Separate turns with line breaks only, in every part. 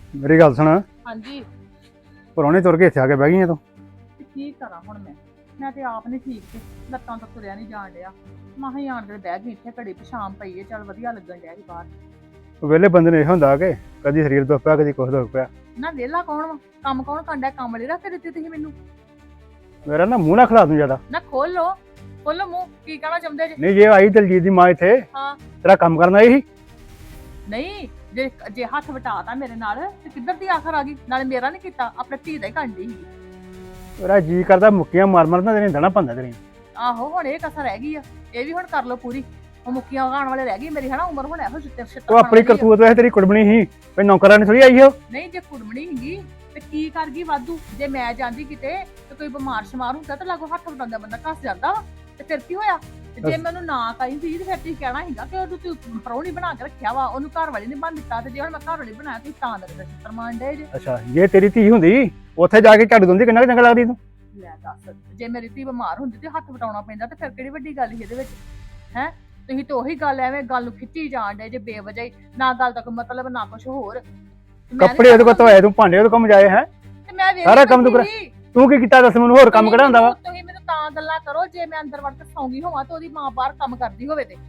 ਮੇਰੀ ਗੱਲ ਸੁਣ।
ਹਾਂਜੀ
ਪਰੌਣੇ ਤੁਰ ਕੇ ਇੱਥੇ ਆ ਕੇ ਬਹਿ ਗਈਆਂ ਤੂੰ।
ਤੇ ਕੀ ਕਰਾਂ ਹੁਣ ਮੈਂ ਤੇ ਆਪ ਨਹੀਂ ਠੀਕ ਤੇ ਲੱਤਾਂ ਤੋਂ ਤੁਰਿਆ ਨਹੀਂ ਜਾਣ ਡਿਆ। ਮਾਹ ਹੀ ਆਣ ਕੇ ਬਹਿ ਗਈ ਇੱਥੇ ਘੜੀ ਪਛਾਮ ਪਈ ਏ, ਚੱਲ ਵਧੀਆ ਲੱਗਣ ਡਿਆ ਸੀ ਬਾਹਰ।
ਵਿਹਲੇ ਬੰਦੇ ਨੂੰ ਇਹ ਹੁੰਦਾ ਕਿ ਕਦੀ ਸਰੀਰ ਦੁੱਖ ਪਿਆ ਕਦੀ ਕੁਛ ਦੁੱਖ ਪਿਆ।
ਨਾ ਵਿਹਲਾ ਕੌਣ ਵਾ, ਕੰਮ ਕੌਣ ਕਰਦਾ, ਕੰਮ ਵਾਲੀ ਰੱਖ ਕੇ ਦਿੱਤੀ ਤੁਸੀਂ ਮੈਨੂੰ।
ਮੇਰਾ ਨਾ ਮੂੰਹ ਨਾ ਖਿਲਾ ਦੂੰ ਜ਼ਿਆਦਾ।
ਨਾ ਖੋਲੋ ਮੂੰਹ, ਕੀ ਕਹਿਣਾ ਚਾਹੁੰਦੇ ਜੇ?
ਨਹੀਂ ਜੇ ਆਈ ਦਲਜੀਤ ਦੀ ਮਾਂ ਇੱਥੇ
ਹਾਂ
ਤੇਰਾ ਕੰਮ ਕਰਨਾ ਇਹੀ।
ਨਹੀਂ, ਜੇ ਹੱਥ ਵਟਾਤਾ ਮੇਰੇ ਨਾਲ ਤੇ ਕਿੱਧਰ ਦੀ ਆਖਰ ਆ ਗਈ? ਨਾਲੇ ਮੇਰਾ ਨਹੀਂ ਕੀਤਾ, ਆਪਣੇ ਧੀ ਦਾ ਹੀ ਕਰਦੀ ਸੀ।
ਮੇਰਾ ਜੀ ਕਰਦਾ ਮੁੱਕੀਆਂ ਮਾਰ ਮਾਰ ਨਾ ਤੇਰੇ ਦੇਣਾ ਪੰਦਾ ਤੇਰੀ।
ਆਹੋ ਹੁਣ ਇਹ ਕਸਰ ਰਹਿ ਗਈ ਆ, ਇਹ ਵੀ ਹੁਣ ਕਰ ਲੋ ਪੂਰੀ। ਉਹ ਮੁੱਕੀਆਂ ਉਗਾਉਣ ਵਾਲੇ ਰਹਿ ਗਈ ਮੇਰੀ ਹਨਾ ਉਮਰ, ਹੁਣ ਇਹੋ ਛਿੱਤਰ
ਉਹ ਆਪਣੀ ਕਰਤੂਤ ਵੈਸੇ ਤੇਰੀ ਕੁੜਮਣੀ ਸੀ, ਕੋਈ ਨੌਕਰਾਂ ਨਹੀਂ ਥੋੜੀ ਆਈ ਹੋ।
ਨਹੀਂ ਜੇ ਕੁੜਮਣੀ ਹੈਗੀ ਤੇ ਕੀ ਕਰ ਗਈ ਵਾਧੂ? ਜੇ ਮੈਂ ਜਾਂਦੀ ਕਿਤੇ ਤੇ ਕੋਈ ਬਿਮਾਰ ਸ਼ਮਾਰ ਹੁੰਦਾ ਤਾਂ ਲਾਗੋ ਹੱਥ ਵਟਾਉਂਦਾ ਬੰਦਾ ਘਸ ਜਾਂਦਾ ਵਾ, ਤੇ ਫਿਰ ਕੀ ਹੋਇਆ? ਤੇ ਜੇ ਮੈਨੂੰ ਨਾ ਕਹਿੰਦੀ ਤੇ ਫਿਰ ਤੁਸੀਂ ਕਹਿਣਾ ਸੀਗਾ ਕਿ ਉਹਨੂੰ ਤੂੰ ਪਰੌਣੀ ਬਣਾ ਕੇ ਰੱਖਿਆ ਵਾ, ਉਹਨੂੰ ਘਰ ਵਾਲੀ ਨੇ ਬਣ ਦਿੱਤਾ। ਤੇ ਜੇ ਹੁਣ ਮੈਂ ਘਰ ਵਾਲੀ ਬਣਾਇਆ ਤੁਸੀਂ ਤਾਂ ਮੇਰੇ ਛਿੱਤਰ ਮਾਰਨ ਡੇ ਜੇ।
ਅੱਛਾ ਜੇ ਤੇਰੀ ਧੀ ਹੁੰਦੀ ਉੱਥੇ ਜਾ ਕੇ ਝੱਡ ਦਿੰਦੀ ਕਿੰਨਾ ਚੰਗਾ ਲੱਗਦੀ ਤੂੰ।
ਲੈ ਦੱਸ, ਜੇ ਮੇਰੀ ਧੀ ਬਿਮਾਰ ਹੁੰਦੀ ਤੇ ਹੱਥ ਵਟਾਉਣਾ ਪੈਂਦਾ ਤੇ ਫਿਰ ਕਿਹੜੀ ਵੱਡੀ ਗੱਲ ਸੀ ਇਹਦੇ ਵਿੱਚ? ਹੈ ਤੁਸੀਂ ਤਾਂ ਉਹੀ ਗੱਲ ਐਵੇਂ ਗੱਲ ਨੂੰ ਖਿੱਚੀ ਜਾਣ ਡੇ ਜੇ ਬੇਵਜ੍ਹਾ ਹੀ, ਨਾ ਗੱਲ ਦਾ ਕੋਈ ਮਤਲਬ ਨਾ ਕੁਝ ਹੋਰ।
ਕੱਪੜੇ ਉਹਦੇ ਕੋਲ ਧੋਏ ਤੂੰ, ਭਾਂਡੇ ਉਹਦੇ ਕੋਲ ਮਜਾਏ ਹੈ,
ਤੇ ਮੈਂ ਵੇਖ
ਸਾਰਾ ਕੰਮ ਤੂੰ ਕਰ। ਤੂੰ ਕੀ ਕੀਤਾ ਦੱਸ ਮੈਨੂੰ, ਹੋਰ ਕੰਮ ਕਿਹੜਾ ਹੁੰਦਾ ਵਾ?
ਤੁਸੀਂ ਮੈਨੂੰ ਤਾਂ ਗੱਲਾਂ ਕਰੋ ਜੇ ਮੈਂ ਅੰਦਰ ਵੜ ਕੇ ਸੌਂਗੀ ਹੋਵਾਂ ਤੇ ਉਹਦੀ ਮਾਂ ਬਾਹਰ ਕੰਮ ਕਰਦੀ ਹੋਵੇ ਤੇ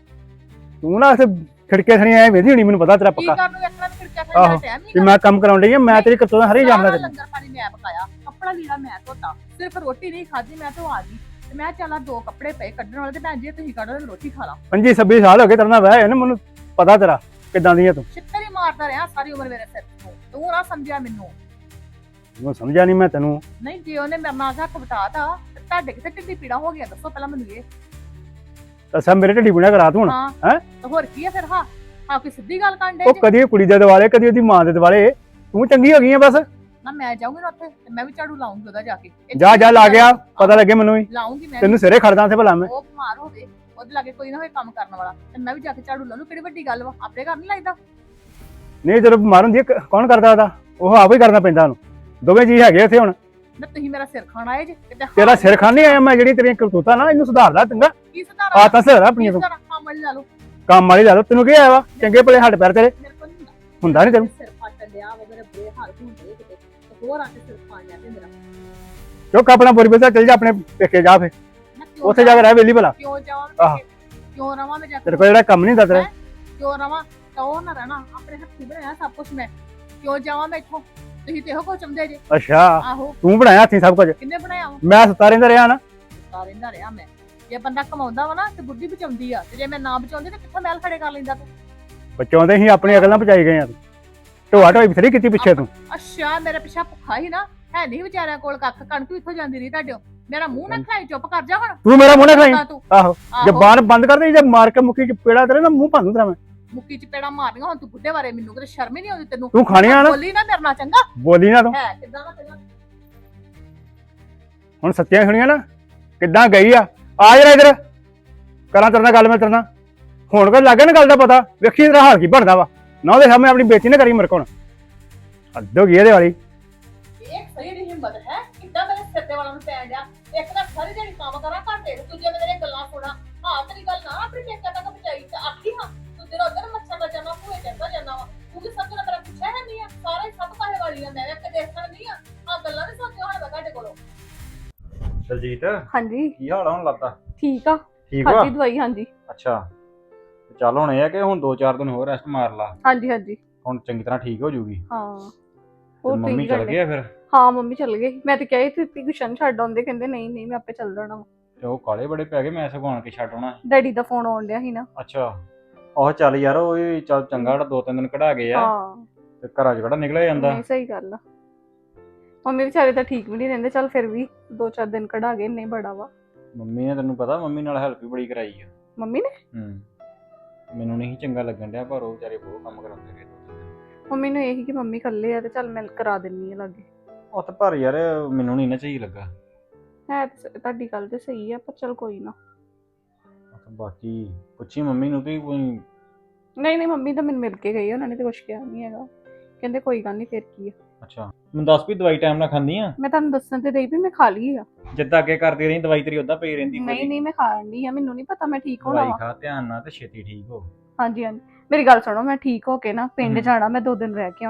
ਤੂੰ ਨਾ ਖਿੜਕੇ ਥਣੀ ਐ ਵੇਦੀ ਹੋਣੀ, ਮੈਨੂੰ ਪਤਾ ਤੇਰਾ
ਕੀ
ਪੱਕਾ
ਕਰਨ ਨੂੰ ਵੇਖਣਾ? ਖਿੜਕਾ ਖਾਣ ਦਾ ਟਾਈਮ
ਕਿ
ਨਹੀਂ।
ਮੈਂ ਕੰਮ ਕਰਾਉਣ ਡਈ ਆ, ਮੈਂ ਤੇਰੀ ਕਰਤੂਤਾਂ ਹਰੀ ਜਾਣਦਾ ਤੈਨੂੰ।
ਲੰਗਰ ਪਾਣੀ ਮੈਂ ਪਕਾਇਆ, ਕੱਪੜਾ ਲੀੜਾ ਮੈਂ ਧੋਤਾ, ਸਿਰਫ ਰੋਟੀ ਨਹੀਂ ਖਾਧੀ ਮੈਂ ਤਾਂ ਆ ਗਈ। ਤੇ ਮੈਂ ਚੱਲਾ ਦੋ ਕੱਪੜੇ ਪਏ ਕੱਢਣ ਵਾਲੇ, ਤੇ ਭੈਣ ਜੀ ਤੁਸੀਂ ਕੱਢ ਲਓ ਰੋਟੀ ਖਾ ਲਾ।
25-26 ਸਾਲ ਹੋ ਗਏ ਤੇਰੇ ਨਾਲ ਵਿਆਹ ਹੋਇਆ ਨਾ, ਮੈਨੂੰ ਪਤਾ ਤੇਰਾ ਕਿੱਦਾਂ ਦੀ ਆ ਤੂੰ।
ਛਿੱਤਰ ਹੀ ਮਾਰਦਾ ਰਿਹਾ ਸਾਰੀ ਉਮਰ ਮੇਰੇ ਸਿਰ ਤੋਂ, ਤੂੰ ਨਾ ਸਮਝਿਆ ਮੈਨੂੰ।
ਮੈਂ ਸਮਝਿਆ ਨਹੀਂ ਮੈਂ ਤੈਨੂੰ।
ਨਹੀਂ ਜੇ ਉਹਨੇ ਮੇਰੇ ਨਾਲ ਹੱਥ ਵਟਾਤਾ ਤੇ ਤੁਹਾਡੇ ਕਿਤੇ ਢਿੱਡੀ ਪੀੜਾ ਹੋ ਗਿਆ? ਦੱਸੋ ਪਹਿਲਾਂ ਮੈਨੂੰ ਇਹ।
ਦੱਸਾਂ ਮੇਰੇ ਢਿੱਡੀ ਬੁਣਿਆ ਕਰਾ ਤੂੰ ਹੁਣ।
ਹਾਂ
ਹੈਂ?
ਤੇ ਹੋਰ ਕੀ ਆ ਫਿਰ? ਹਾਂ ਕੋਈ ਸਿੱਧੀ ਗੱਲ ਕਰਨ
ਉਹ
ਡੇ?
ਕਦੀ ਕੁੜੀ ਦੇ ਦਿਵਾਲੇ ਕਦੀ ਉਹਦੀ ਮਾਂ ਦੇ ਦਿਵਾਲੇ, ਤੂੰ ਚੰਗੀ ਹੋ ਗਈ ਆ ਬਸ।
ਨਾ ਮੈਂ ਜਾਊਂਗੀ ਨਾ ਉੱਥੇ ਤੇ ਮੈਂ ਵੀ ਝਾੜੂ ਲਾਉਂਗੀ ਉਹਦਾ ਜਾ ਕੇ।
ਜਾ ਲਾ ਗਿਆ, ਪਤਾ ਲੱਗੇ ਮੈਨੂੰ ਵੀ।
ਲਾਉਂਗੀ ਮੈਂ
ਤੈਨੂੰ ਸਿਰੇ ਖੜਦਾ ਤੇ ਭਲਾ ਮੈਂ।
ਉਹ ਬਿਮਾਰ ਹੋਵੇ, ਉਹਦੇ ਲਾਗੇ ਕੋਈ ਨਾ ਹੋਏ ਕੰਮ ਕਰਨ ਵਾਲਾ, ਤੇ ਮੈਂ ਵੀ ਜਾ ਕੇ ਝਾੜੂ ਲਾ ਲੂ। ਕਿਹੜੀ ਵੱਡੀ ਗੱਲ ਵਾ? ਆਪਣੇ ਘਰ ਨਹੀਂ ਲੱਗਦਾ?
ਨਹੀਂ ਜਦੋਂ ਬਿਮਾਰ ਹੁੰਦੀ ਆ, ਕੌਣ ਕਰਦਾ ਉਹਦਾ? ਉਹ ਆਪ ਹੀ ਕਰਨਾ ਪੈਂਦਾ ਉਹਨੂੰ। ਦੋਵੇਂ ਜੀ ਹੈਗੇ ਇੱਥੇ ਹੁਣ।
ਨਾ ਤੁਸੀਂ ਮੇਰਾ ਸਿਰ ਖਾਣਾ ਏ ਜੇ ਕਿਤੇ।
ਤੇਰਾ ਸਿਰ ਖਾਣੀ ਆਇਆ ਮੈਂ, ਜਿਹੜੀ ਤੇਰੀਆਂ ਕਰਤੂਤਾਂ ਨਾ ਇਹਨੂੰ ਸੁਧਾਰਦਾ ਚੰਗਾ।
ਕੀ ਸੁਧਾਰਾ?
ਆ ਤਾਂ ਸਿਰ ਆਪਣੀਆਂ ਤੂੰ
ਕੰਮ ਵਾਲੀ ਲਾ ਲਓ।
ਕੰਮ ਵਾਲੀ ਲਾ ਲਓ, ਤੈਨੂੰ ਕੀ ਆਇਆ ਵਾ? ਚੰਗੇ ਭਲੇ ਹੱਡ ਪੈਰ ਤੇਰੇ
ਮੇਰੇ ਕੋਲ ਨਹੀਂ
ਹੁੰਦਾ ਨਹੀਂ ਤੈਨੂੰ।
ਸਿਰ ਫੱਟ ਲਿਆ ਵਾ, ਮੇਰੇ ਬੁਰੇ ਹਾਲ ਹੁੰਦੇ ਕਿਤੇ, ਤੇ ਹੋਰ ਆ ਕੇ ਸਿਰ ਖਾ ਲਿਆ ਤੇ ਮੇਰਾ।
ਚੁੱਕ ਆਪਣਾ ਬੋਰੀ ਬੇਸਾ ਚੱਲ ਜਾ ਆਪਣੇ ਪੇਕੇ ਜਾ ਫੇ,
ਨਾ ਕਿਉਂ
ਉੱਥੇ ਜਾ ਕੇ ਰਹਿ ਵੇਲੀ ਭਲਾ।
ਕਿਉਂ ਜਾਵਾਂ
ਆਹ।
ਮੈਂ? ਕਿਉਂ ਰਵਾਂ ਮੈਂ ਜਾ ਕੇ?
ਤੇਰੇ ਕੋਲ ਜਿਹੜਾ ਕੰਮ ਨਹੀਂ ਹੁੰਦਾ ਤੇਰਾ।
ਕਿਉਂ ਰਵਾਂ? ਤਾਂ ਉਹ ਨਾ ਰਹਿਣਾ, ਆਪਣੇ ਹੱਥੀਂ ਬਣਾਇਆ ਸਭ ਕੁਝ ਮੈਂ। ਕਿਉਂ ਜਾਵਾਂ ਮੈਂ ਇੱਥੋਂ? ਤੁਸੀਂ ਤੇ ਇਹੋ ਕੁਝ ਚਾਹੁੰਦੇ ਜੇ।
ਅੱਛਾ
ਆਹੋ,
ਤੂੰ ਬਣਾਇਆ ਹੱਥੀਂ ਸਭ ਕੁਝ,
ਕਿੰਨੇ ਬਣਾਇਆ ਵਾ?
ਮੈਂ ਸੁੱਤਾ ਰਹਿੰਦਾ ਰਿਹਾ ਨਾ।
ਸੁੱਤਾ ਰਹਿੰਦਾ ਰਿਹਾ ਮੈਂ। ਜੇ ਬੰਦਾ ਕਮਾਉਂਦਾ ਵਾ ਨਾ ਤੇ ਬੁੱਢੀ ਬਚਾਉਂਦੀ ਆ, ਤੇ ਜੇ ਮੈਂ ਨਾ ਬਚਾਉਂਦੀ ਤੇ ਕਿੱਥੋਂ ਮਹਿਲ ਖੜੇ ਕਰ ਲੈਂਦਾ ਤੂੰ?
ਬਚਾਉਂਦੇ ਹੀ ਆਪਣੀ ਅਕਲ ਨਾਲ ਬਚਾਈ ਗਏ ਆ ਤੂੰ। ਢੋਆ ਢੋਈ ਬਥੇਰੀ ਕੀਤੀ ਪਿੱਛੇ ਤੂੰ।
ਅੱਛਾ ਮੇਰੇ ਪਿੱਛਾ ਭੁੱਖਾ ਹੀ ਨਾ ਹੈ? ਨਹੀਂ ਵਿਚਾਰਿਆਂ ਕੋਲ ਕੱਖ, ਕਣਕ ਵੀ ਇੱਥੋਂ ਜਾਂਦੀ ਰਹੀ ਤੁਹਾਡੇ। ਮੇਰਾ ਮੂੰਹ ਨਾ ਖਾਈ, ਚੁੱਪ ਕਰ ਜਾ ਹੁਣ।
ਤੂੰ ਮੇਰਾ ਮੂੰਹ ਨਾ ਖਾਈ।
ਤੂੰ
ਆਹੋ ਜ਼ਬਾਨ ਬੰਦ ਕਰ ਦੇ, ਜੇ ਮਾਰ ਕੇ ਮੁੱਕੀ ਚ ਪੇੜਾ ਤੇਰੇ ਨਾ ਮੂੰਹ ਭੰਨੂ ਤੇਰਾ ਮੈਂ।
ਮੁੱਕੀ ਚ ਪੇੜਾ ਮਾਰਨੀਆਂ ਹੁਣ ਤੂੰ ਬੁੱਢੇ ਬਾਰੇ, ਮੈਨੂੰ ਕਿਤੇ ਸ਼ਰਮ ਹੀ ਨਹੀਂ ਆਉਂਦੀ ਤੈਨੂੰ?
ਤੂੰ ਖਾਣੀਆਂ ਨਾ,
ਬੋਲੀ ਨਾ ਮੇਰੇ ਨਾਲ ਚੰਗਾ
ਬੋਲੀ ਨਾ ਤੂੰ।
ਹੈ ਕਿੱਦਾਂ ਦਾ ਤੇਰਾ?
ਹੁਣ ਸੱਚੀਆਂ ਸੁਣੀਆਂ ਨਾ ਕਿੱਦਾਂ ਗਈ ਆ ਜਰਾ ਇਧਰ ਕਰਾਂ ਤੇਰੇ ਨਾਲ ਗੱਲ। ਮੈਂ ਤੇਰੇ ਨਾਲ ਹੁਣ ਕੋਈ ਲੱਗੇ ਨਾ ਗੱਲ ਦਾ ਪਤਾ, ਵੇਖੀ ਤੇਰਾ ਹਾਲ ਕੀ ਬਣਦਾ ਵਾ ਨਾ। ਉਹਦੇ ਸਾਹਮਣੇ ਆਪਣੀ ਬੇਇੱਜ਼ਤੀ ਨਾ ਕਰੀ ਮੇਰੇ ਕੋਲ। ਹੱਦ ਹੋ ਗਈ ਇਹਦੇ ਵਾਲੀ।
ਇਹ ਸਹੀ ਦੀ ਹਿੰਮਤ ਹੈ ਕਿੱਦਾਂ ਮੇਰੇ ਸਿਰ ਤੇ ਵਾਲਾ ਨੂੰ ਪੈਣ ਡਿਆ? ਇੱਕ ਤਾਂ ਸਾਰੀ ਜਿਹੜੀ ਕੰਮ ਕਰਾਂ ਘਰ ਦੇ, ਦੂਜੇ ਮੇਰੇ ਗੱਲਾਂ ਸੁਣਾ। ਹਾਂ ਤੇਰੀ ਗੱਲ ਨਾ ਆਪਣੀ ਪੇਕਾ ਤੱਕ ਪਹੁੰਚਾਈ ਤੇ ਆਖੀ ਹਾਂ ਤੂੰ ਤੇਰਾ ਉਧਰ ਮੱਛਰ ਦਾ ਜਾਣਾ ਭੂਏ ਚੜਦਾ ਜਾਂਦਾ ਵਾ। ਤੂੰ ਵੀ ਸਭ ਤੋਂ ਮੇਰਾ ਪੁੱਛਿਆ ਹੈ ਨਹੀਂ ਆ? ਸਾਰੇ ਸਭ ਕਾਹੇ ਵਾਲੀ ਆ, ਮੈਂ ਇੱਕ ਦੇਖਣ ਨਹੀਂ ਆ ਗੱਲਾਂ ਨਹੀਂ ਸੋਚਿਆ ਹੁਣ ਮੈਂ ਤੁਹਾਡੇ ਕੋਲੋਂ।
ਦਲਜੀਤ
ਹਾਂਜੀ
ਕੀ ਹਾਲ ਆ? ਹੁਣ ਲੱਗਦਾ
ਠੀਕ ਆ।
ਠੀਕ ਵਾ?
ਖਾਦੀ ਦਵਾਈ ਹਾਂਜੀ
ਅੱਛਾ ਤੇ ਚੱਲ ਹੁਣ ਇਹ ਆ ਕਿ ਹੁਣ 2-4 ਦਿਨ ਹੋਰ ਰੈਸਟ ਮਾਰ ਲਾ,
ਹਾਂਜੀ ਹਾਂਜੀ
ਹੁਣ ਚੰਗੀ ਤਰ੍ਹਾਂ ਠੀਕ ਹੋ ਜਾਊਗੀ।
ਹਾਂ
ਤੇ
ਹੋਰ
ਮੰਮੀ
ਤੁਸੀਂ
ਚਲ
ਕਰਦੇ?
ਗਏ ਆ ਫਿਰ?
ਹਾਂ ਮੰਮੀ ਚੱਲ ਗਏ। ਮੈਂ ਤੇ ਕਿਹਾ ਸੀ ਟਿਊਸ਼ਨ ਛੱਡ ਆਉਂਦੇ, ਕਹਿੰਦੇ ਨਹੀਂ ਮੈਂ ਆਪੇ ਚੱਲ ਜਾਣਾ।
ਤੇ ਉਹ ਕਾਲੇ ਬੜੇ ਪੈ ਗਏ, ਮੈਂ ਸਗੋਂ ਆਣ ਕੇ ਛੱਡ ਆਉਣਾ।
ਡੈਡੀ ਦਾ ਫੋਨ ਆਉਣ ਡਿਆ ਸੀ ਨਾ।
ਅੱਛਾ ਉਹ ਚੱਲ ਯਾਰ, ਉਹ ਵੀ ਚੱਲ ਚੰਗਾ 2-3 ਦਿਨ ਕਢਾ ਗਏ ਆ,
ਹਾਂ
ਤੇ ਘਰਾਂ 'ਚ ਕਿਹੜਾ ਨਿਕਲਿਆ ਜਾਂਦਾ।
ਨਹੀਂ ਸਹੀ ਗੱਲ ਆ। ਮੰਮੀ ਵਿਚਾਰੇ ਤਾਂ ਠੀਕ ਵੀ ਨਹੀਂ ਰਹਿੰਦੇ, ਚੱਲ ਫਿਰ ਵੀ 2-4 ਦਿਨ ਕਢਾ ਗਏ, ਨਹੀਂ ਬੜਾ ਵਾ।
ਮੰਮੀ ਨੇ ਤੈਨੂੰ ਪਤਾ ਮੰਮੀ ਨਾਲ ਹੈਲਪ ਵੀ ਬੜੀ ਕਰਾਈ ਆ।
ਮੰਮੀ ਨੇ?
ਮੈਨੂੰ ਨਹੀਂ ਚੰਗਾ ਲੱਗਣ ਡਿਆ, ਪਰ ਉਹ ਵਿਚਾਰੇ ਬਹੁਤ ਕੰਮ ਕਰਾਉਂਦੇ ਰਹੇ।
ਮੰਮੀ ਨੂੰ ਇਹੀ ਕਿ ਮੰਮੀ ਇਕੱਲੇ ਆ ਤੇ ਚੱਲ ਮੈਂ ਕਰਾ ਦਿੰਨੀ ਆ ਲਾਗੇ।
ਉਹ ਤੇ ਪਰ ਯਾਰ ਮੈਨੂੰ ਨਹੀਂ ਨਾ ਸਹੀ ਲੱਗਾ।
ਹੈ ਤੁਹਾਡੀ ਗੱਲ ਤੇ ਸਹੀ ਆ, ਪਰ ਚੱਲ ਕੋਈ ਨਾ।
ਬਾਕੀ ਪੁੱਛੀ ਮੰਮੀ ਨੂੰ ਵੀ ਕੋਈ।
ਨਹੀਂ ਮੰਮੀ ਤਾਂ ਮੈਨੂੰ ਮਿਲ ਕੇ ਗਈ, ਉਹਨਾਂ ਨੇ ਤੇ ਕੁਛ ਕਿਹਾ ਨਹੀਂ ਹੈਗਾ, ਕਹਿੰਦੇ ਕੋਈ ਗੱਲ ਨਹੀਂ ਫਿਰ ਕੀ ਆ।
ਅੱਛਾ ਮੈਨੂੰ ਦੱਸ ਵੀ ਦਵਾਈ ਟਾਈਮ ਨਾਲ ਖਾਂਦੀ ਆ?
ਮੈਂ ਤੁਹਾਨੂੰ ਦੱਸਣ ਤੇ ਰਹੀ ਵੀ ਮੈਂ ਖਾ ਲਈ ਆ।
ਜਿੱਦਾਂ ਅੱਗੇ ਕਰਦੀ ਰਹੀ ਦਵਾਈ ਤੇਰੀ ਉਦਾਂ ਪਈ ਰਹਿੰਦੀ।
ਨਹੀਂ ਮੈਂ ਖਾਣ ਡਈ ਆ, ਮੈਨੂੰ ਨਹੀਂ ਪਤਾ ਮੈਂ ਠੀਕ ਹੋਣਾ
ਦਵਾਈ
ਵਾ।
ਖਾ ਧਿਆਨ ਨਾਲ ਤੇ ਛੇਤੀ ਠੀਕ ਹੋ।
ਹਾਂਜੀ ਮੇਰੀ ਗੱਲ ਸੁਣੋ, ਮੈਂ ਠੀਕ ਹੋ ਕੇ ਨਾ ਪਿੰਡ ਜਾਣਾ, ਮੈਂ 2 ਦਿਨ ਰਹਿ ਕੇ ਆਉਣਾ ਜੀ।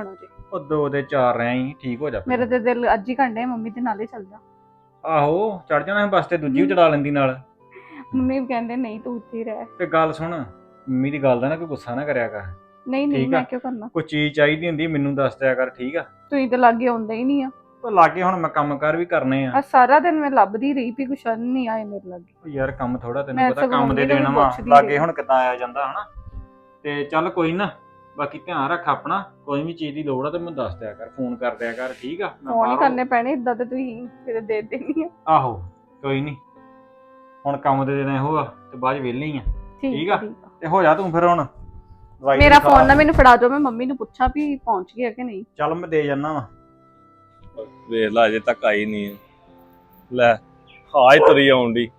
ਉਹ 2 ਦੇ 4 ਰਹੇ ਹੀ ਠੀਕ ਹੋ ਜਾ
ਮੇਰੇ ਤੇ ਦਿਲ ਅੱਜ ਹੀ ਕੰਡੇ ਮੰਮੀ ਦੇ ਨਾਲ ਹੀ ਚੱਲ ਜਾ।
ਆਹੋ ਚੜ ਜਾਣਾ ਸੀ ਬੱਸ ਤੇ, ਦੂਜੀ ਵੀ ਚੜਾ ਲੈਂਦੀ ਨਾਲ।
ਮੰਮੀ ਵੀ ਕਹਿੰਦੇ ਨਹੀਂ ਤੂੰ ਇੱਥੇ ਹੀ ਰਹਿ।
ਤੇ ਗੱਲ ਸੁਣ, ਮੰਮੀ ਦੀ ਗੱਲ ਦਾ ਨਾ ਕੋਈ ਗੁੱਸਾ ਨਾ ਕਰਿਆ ਕਰ।
ਨਹੀਂ ਨਹੀਂ
ਠੀਕ ਆ।
ਮੈਂ ਕਿਉਂ ਕਰਨਾ,
ਕੋਈ ਚੀਜ਼ ਚਾਹੀਦੀ ਹੁੰਦੀ ਮੈਨੂੰ ਦੱਸ ਦਿਆ ਕਰ, ਠੀਕ ਆ।
ਤੁਸੀਂ ਤਾਂ ਲਾਗੇ ਆਉਂਦੇ ਹੀ ਨਹੀਂ ਆ।
ਉਹ ਲਾਗੇ ਹੁਣ ਮੈਂ ਕੰਮ ਕਾਰ ਵੀ ਕਰਨੇ ਆ।
ਆ ਸਾਰਾ ਦਿਨ ਮੈਂ ਲੱਭਦੀ ਰਹੀ ਵੀ ਕੁਛ ਨਹੀਂ ਆਏ ਮੇਰੇ ਲਾਗੇ।
ਉਹ ਯਾਰ ਕੰਮ ਥੋੜਾ, ਤੈਨੂੰ
ਮੈਂ
ਪਤਾ
ਸਗੋਂ
ਕੰਮ ਦੇ
ਮੰਮੀ ਨੂੰ
ਦੇਣ
ਵੀ
ਵਾ,
ਪੁੱਛਦੀ
ਲਾਗੇ
ਰਹੀ।
ਹੁਣ ਕਿੱਦਾਂ ਆਇਆ ਜਾਂਦਾ ਹਨਾ। ਤੇ ਚੱਲ ਕੋਈ ਨਾ, ਬਾਕੀ ਧਿਆਨ ਰੱਖ ਆਪਣਾ, ਕੋਈ ਵੀ ਚੀਜ਼ ਦੀ ਲੋੜ ਆ ਤੇ ਮੈਨੂੰ ਦੱਸ ਦਿਆ ਕਰ, ਫੋਨ ਕਰ ਦਿਆ ਕਰ, ਠੀਕ ਆ। ਮੈਂ
ਫੋਨ ਹੀ
ਬਾਹਰੋਂ-
ਕਰਨੇ ਪੈਣੇ ਇਦਾਂ ਤੇ ਤੁਸੀਂ ਫਿਰ ਦੇ ਦੇਣੀ ਆ।
ਆਹੋ ਕੋਈ ਨਹੀਂ, ਹੁਣ ਕੰਮ ਦੇ ਦੇਣਾ ਇਹੋ ਆ ਤੇ ਬਾਅਦ ਚ ਵਿਹਲੇ ਹੀ ਆ। ਠੀਕ ਆ। ਤੇ ਹੋ ਜਾ ਤੂੰ ਫਿਰ ਹੁਣ ਦਵਾਈ
ਮੇਰਾ
ਦੀ ਖਾ।
ਫੋਨ ਨਾ ਮੈਨੂੰ ਫੜਾ ਦਿਓ, ਮੈਂ ਮੰਮੀ ਨੂੰ ਪੁੱਛਾਂ ਵੀ ਪਹੁੰਚ ਗਿਆ ਕਿ ਨਹੀਂ।
ਚੱਲ ਮੈਂ ਦੇ ਜਾਨਾ ਵਾ।
ਵੇਖ ਲਾ ਅਜੇ ਤੱਕ ਆਈ ਨਹੀਂ ਲੈ, ਹਾਜ ਤੁਰੀ ਆਉਣ ਦੀ,